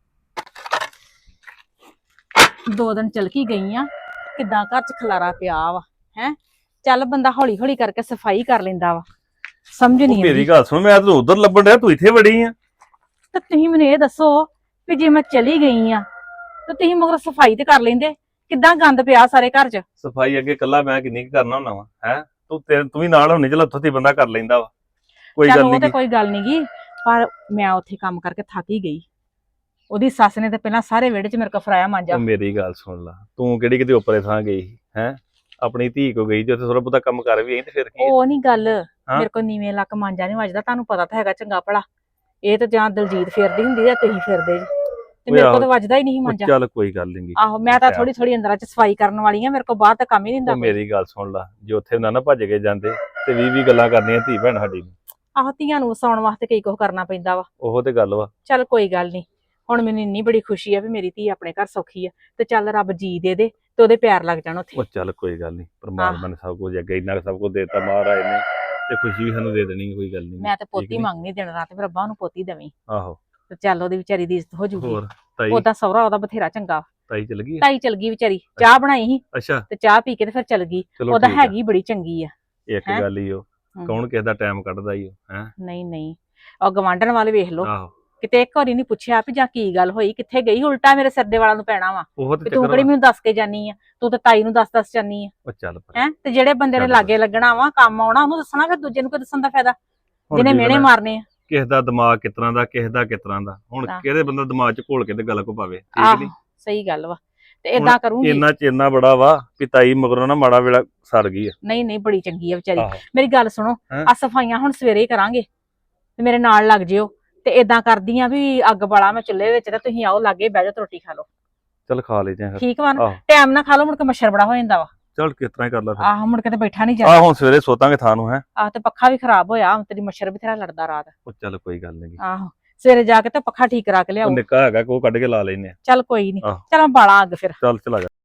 2 ਦਿਨ ਚਲ ਕੀ ਗਈ ਆ ਕਿਦਾਂ ਘਰ ਚ ਖਲਾਰਾ ਪਿਆ ਵਾ ਹੈ। ਚੱਲ ਬੰਦਾ ਹੌਲੀ ਹੌਲੀ ਕਰਕੇ ਸਫਾਈ ਕਰ ਲੈਂਦਾ ਵਾ। ਸਮਝ ਨਹੀਂ
ਮੇਰੀ
ਆਉਂਦੀ
ਗੱਲ ਸੁਣ, ਮੈਂ ਤਾਂ ਉਧਰ ਲੱਭਣ ਡਿਆ, ਤੂੰ ਇੱਥੇ ਵੜੀ ਆ।
ਤੇ ਤੁਸੀਂ ਮੈਨੂੰ ਇਹ ਦੱਸੋ ਵੀ ਜੇ ਮੈਂ ਚਲੀ ਗਈ ਆ ਤੇ ਤੁਸੀਂ ਮਗਰ ਸਫਾਈ ਤੇ ਕਰ ਲੈਂਦੇ। ਕਿੱਦਾਂ ਗੰਦ ਪਿਆ ਸਾਰੇ ਘਰ ਚ।
ਸਫਾਈ ਅੱਗੇ ਕੱਲਾ ਮੈਂ ਕਿੰਨੀ ਕੁ ਕਰਨਾ ਹੁੰਦਾ ਵਾ ਹੈ। ਤੂੰ ਵੀ ਨਾਲ ਹੁੰਨੀ, ਚਲ ਉੱਥੋਂ ਦੀ ਬੰਦਾ ਕਰ ਲੈਂਦਾ ਵਾ। ਕੋਈ
ਚੱਲ
ਗੱਲ
ਉਹ ਤੇ
ਨਹੀਂ।
ਕੋਈ ਗੱਲ ਨੀ ਗੀ ਪਰ ਮੈਂ ਉੱਥੇ ਕੰਮ ਕਰਕੇ ਥੱਕ ਹੀ ਗਈ। ਉਹਦੀ ਸੱਸ ਨੇ ਤੇ ਪਹਿਲਾਂ ਸਾਰੇ ਵਿਹੜੇ 'ਚ ਮੇਰੇ ਕੋਲ ਫਰਾਇਆ ਮਾਂਜਾ।
ਉਹ ਮੇਰੀ ਗੱਲ ਸੁਣ ਲਾ, ਤੂੰ ਕਿਹੜੀ ਕਿਤੇ ਉੱਪਰੇ ਥਾਂ ਗਈ ਹੈ। ਆਪਣੀ ਧੀ ਕੋ ਗਈ ਜੇ ਉੱਥੇ ਥੋੜਾ ਬਹੁਤਾ ਕੰਮ ਕਰ ਵੀ ਆਈ ਤੇ ਫਿਰ ਕੀ ਆ?
ਉਹ ਨਹੀਂ ਗੱਲ ਮੇਰੇ ਕੋਲ ਨੀਵੇਂ ਲੱਕ ਮਾਂਜਾ ਨਹੀਂ ਵੱਜਦਾ। ਤੁਹਾਨੂੰ ਪਤਾ ਤਾਂ ਹੈਗਾ ਚੰਗਾ ਭਲਾ ਇਹ ਤਾਂ ਜਾਂ ਦਲਜੀਤ ਫੇਰਦੀ ਹੁੰਦੀ ਜਾਂ ਤੁਸੀਂ ਫਿਰਦੇ ਜੀ ਤੇ
ਓਏ
ਮੇਰੇ ਕੋਲ
ਆਹੋ।
ਤਾਂ ਵੱਜਦਾ ਹੀ ਨਹੀਂ
ਉਹ
ਮੰਜਾ।
ਚੱਲ ਕੋਈ ਗੱਲ ਨਹੀਂ
ਆਹੋ ਮੈਂ ਤਾਂ ਥੋੜੀ ਥੋੜੀ ਅੰਦਰਾਂ ਚ ਸਫਾਈ ਕਰਨ ਵਾਲੀ ਆ, ਮੇਰੇ ਕੋਲ ਬਾਹਰ ਤਾਂ ਕੰਮ ਹੀ ਨਹੀਂ ਹੁੰਦਾ
ਉਹ
ਕੋਈ।
ਮੇਰੀ ਗੱਲ ਸੁਣ ਲਾ, ਜੇ ਉੱਥੇ ਨਾ ਭੱਜ ਕੇ ਜਾਂਦੇ ਤੇ 20 ਗੱਲਾਂ ਕਰਨੀਆਂ ਧੀ ਭੈਣ ਸਾਡੀ ਨੂੰ।
ਆਹੋ ਧੀਆਂ ਨੂੰ ਵਸਾਉਣ ਵਾਸਤੇ ਕਈ ਕੁਝ ਕਰਨਾ ਪੈਂਦਾ ਵਾ।
ਉਹੋ ਤੇ ਗੱਲ ਵਾ।
ਚੱਲ ਕੋਈ ਗੱਲ ਨਹੀਂ, ਹੁਣ ਮੈਨੂੰ ਇੰਨੀ ਬੜੀ ਖੁਸ਼ੀ ਆ ਵੀ ਮੇਰੀ ਧੀ ਆਪਣੇ ਘਰ ਸੌਖੀ ਆ, ਤੇ ਚੱਲ ਰੱਬ ਜੀ ਦੇ ਤੇ ਉਹਦੇ ਪਿਆਰ ਲੱਗ ਜਾਣ ਉੱਥੇ।
ਉਹ ਚੱਲ ਕੋਈ ਗੱਲ ਨਹੀਂ, ਪਰਮਾਤਮਾ ਨੇ ਸਭ ਕੁਝ ਅੱਗੇ ਇੰਨਾ ਕੁ ਸਭ ਕੁਝ ਦੇਤਾ ਮਹਾਰਾਜ ਨੇ, ਤੇ ਖੁਸ਼ੀ ਵੀ ਸਾਨੂੰ ਦੇ ਦੇਣੀ, ਕੋਈ ਗੱਲ ਨਹੀਂ।
ਮੈਂ ਤੇ ਪੋਤੀ ਮੰਗਣੀ ਦਿਨ ਰਾਤ, ਫਿਰ ਰੱਬਾ ਨੂੰ ਪੋਤੀ ਦੇਵੀਂ
ਆਹੋ
ਤੇ ਚੱਲ ਉਹਦੀ ਵਿਚਾਰੀ ਦੀ ਇੱਜ਼ਤ ਹੋ ਜੂਗੀ।
ਹੋਰ ਤਾਈ
ਉਹਦਾ ਸਹੁਰਾ ਉਹਦਾ ਬਥੇਰਾ ਚੰਗਾ।
ਤਾਈ ਚਲ ਗਈ ਆ?
ਤਾਈ ਚਲ ਗਈ ਵਿਚਾਰੀ, ਚਾਹ ਬਣਾਈ ਸੀ
ਅੱਛਾ
ਤੇ ਚਾਹ ਪੀ ਕੇ ਤੇ ਫਿਰ ਚਲ ਗਈ।
ਚਲੋ
ਉਹਦਾ
ਠੀਕ ਆ।
ਹੈਗੀ ਬੜੀ ਚੰਗੀ ਆ।
ਇੱਕ
ਹੈਂ?
ਗੱਲ ਹੀ ਉਹ
ਹਮ।
ਕੌਣ ਕਿਸੇ ਦਾ ਟਾਈਮ ਕੱਢਦਾ ਹੀ ਉਹ ਹੈ।
ਨਹੀਂ ਨਹੀਂ, ਉਹ ਗਵਾਂਢਣ ਵਾਲੇ ਵੇਖ ਲਓ,
ਆਹੋ
ਕਿਤੇ ਇੱਕ ਵਾਰੀ ਨਹੀਂ ਪੁੱਛਿਆ ਵੀ ਜਾਂ ਕੀ ਗੱਲ ਹੋਈ, ਕਿੱਥੇ ਗਈ, ਉਲਟਾ ਮੇਰੇ ਸਿਰ ਦੇ ਵਾਲਾਂ ਨੂੰ ਪੈਣਾ ਵਾ
ਉਹ ਤੇ
ਵੀ ਤੂੰ
ਚੱਕਰ
ਕਿਹੜੀ
ਵਾ।
ਮੈਨੂੰ ਦੱਸ ਕੇ ਜਾਨੀ ਆ, ਤੂੰ ਤਾਂ ਤਾਈ ਨੂੰ ਦੱਸ ਜਾਨੀ ਆ।
ਉਹ ਚੱਲ ਪਰ
ਹੈ ਤੇ ਜਿਹੜੇ ਬੰਦੇ ਨੇ
ਛੱਡ
ਲਾਗੇ ਲੱਗਣਾ ਵਾ, ਕੰਮ ਆਉਣਾ, ਉਹਨੂੰ ਦੱਸਣਾ, ਫਿਰ ਦੂਜੇ ਨੂੰ ਕੋਈ ਦੱਸਣ ਦਾ ਫਾਇਦਾ,
ਹੁਣ
ਜਿਹਨੇ
ਕੀ
ਮਿਹਣੇ
ਪਤਾ
ਮਾਰਨੇ ਆ।
ਕਿਸੇ ਦਾ ਦਿਮਾਗ ਕਿਸ ਤਰ੍ਹਾਂ ਦਾ, ਕਿਸੇ ਦਾ ਕਿਸ ਤਰ੍ਹਾਂ ਦਾ, ਹੁਣ
ਆਹ।
ਕਿਹਦੇ ਬੰਦਾ ਦਿਮਾਗ 'ਚ ਘੋਲ ਕੇ ਤੇ ਗੱਲ ਕੋ ਪਾਵੇ, ਠੀਕ
ਆਹੋ
ਨਹੀਂ।
ਸਹੀ ਗੱਲ ਵਾ, ਤੇ ਏਦਾਂ ਕਰੂੰਗੀ।
ਇੰਨਾ ਚੇਨਾ ਬੜਾ ਵਾ ਵੀ ਤਾਈ ਮਗਰੋਂ ਨਾ ਮਾੜਾ ਵੇਲਾ ਸਰ ਗਈ ਆ।
ਨਹੀਂ ਨਹੀਂ, ਬੜੀ ਚੰਗੀ ਆ ਵਿਚਾਰੀ।
ਆਹੋ
ਮੇਰੀ ਗੱਲ ਸੁਣੋ,
ਹੈਂ?
ਆ ਸਫਾਈਆਂ ਹੁਣ ਸਵੇਰੇ ਹੀ ਕਰਾਂਗੇ ਤੇ ਮੇਰੇ ਨਾਲ ਲੱਗ ਜਿਓ, ਤੇ ਏਦਾਂ ਕਰਦੀ ਆ ਵੀ ਅੱਗ ਬਾਲਾ ਮੈਂ ਚੁੱਲ੍ਹੇ ਵਿੱਚ, ਤੇ ਤੁਸੀਂ ਆਓ ਲਾਗੇ ਬਹਿ ਜਾਓ ਤੇ ਰੋਟੀ ਖਾ ਲਓ,
ਚੱਲ ਖਾ ਲੈਦੇ ਆ ਫਿਰ।
ਠੀਕ ਵਾ ਨਾ?
ਆਹੋ
ਟਾਈਮ ਨਾਲ ਖਾ ਲਓ, ਮੁੜ ਕੇ ਮੱਛਰ ਬੜਾ ਹੋ ਜਾਂਦਾ ਵਾ।
ਚੱਲ ਕਿਸ ਤਰ੍ਹਾਂ ਹੀ ਕਰ ਲਾ ਫਿਰ।
ਆਹ ਮੁੜ ਕੇ ਤੇ ਬੈਠਾ ਨਹੀਂ
ਆਹ
ਜਾਂਦਾ।
ਹੁਣ ਸਵੇਰੇ ਸੋਤਾਂਗੇ ਥਾਂ ਨੂੰ ਹੈ।
ਆਹ ਤੇ ਪੱਖਾ ਵੀ ਖਰਾਬ ਹੋਇਆ, ਤੇਰੀ ਮੱਛਰ ਬਥੇਰਾ ਲੜਦਾ ਰਾਤ।
ਉਹ ਚੱਲ ਕੋਈ ਗੱਲ ਨਹੀਂ,
ਆਹੋ ਸਵੇਰੇ ਜਾ ਕੇ ਤੇ ਪੱਖਾ ਠੀਕ ਕਰਾ ਕੇ
ਉਹ
ਲਿਆਓ।
ਨਿੱਕਾ ਹੈਗਾ ਕੋ ਕੱਢ ਕੇ ਲਾ ਲੈਨੇ ਆ।
ਚੱਲ ਕੋਈ ਨਹੀਂ,
ਆਹੋ।
ਚੱਲ ਬਾਲਾ ਅੱਗ ਫਿਰ।
ਚੱਲ ਚਲਾ ਜਾ।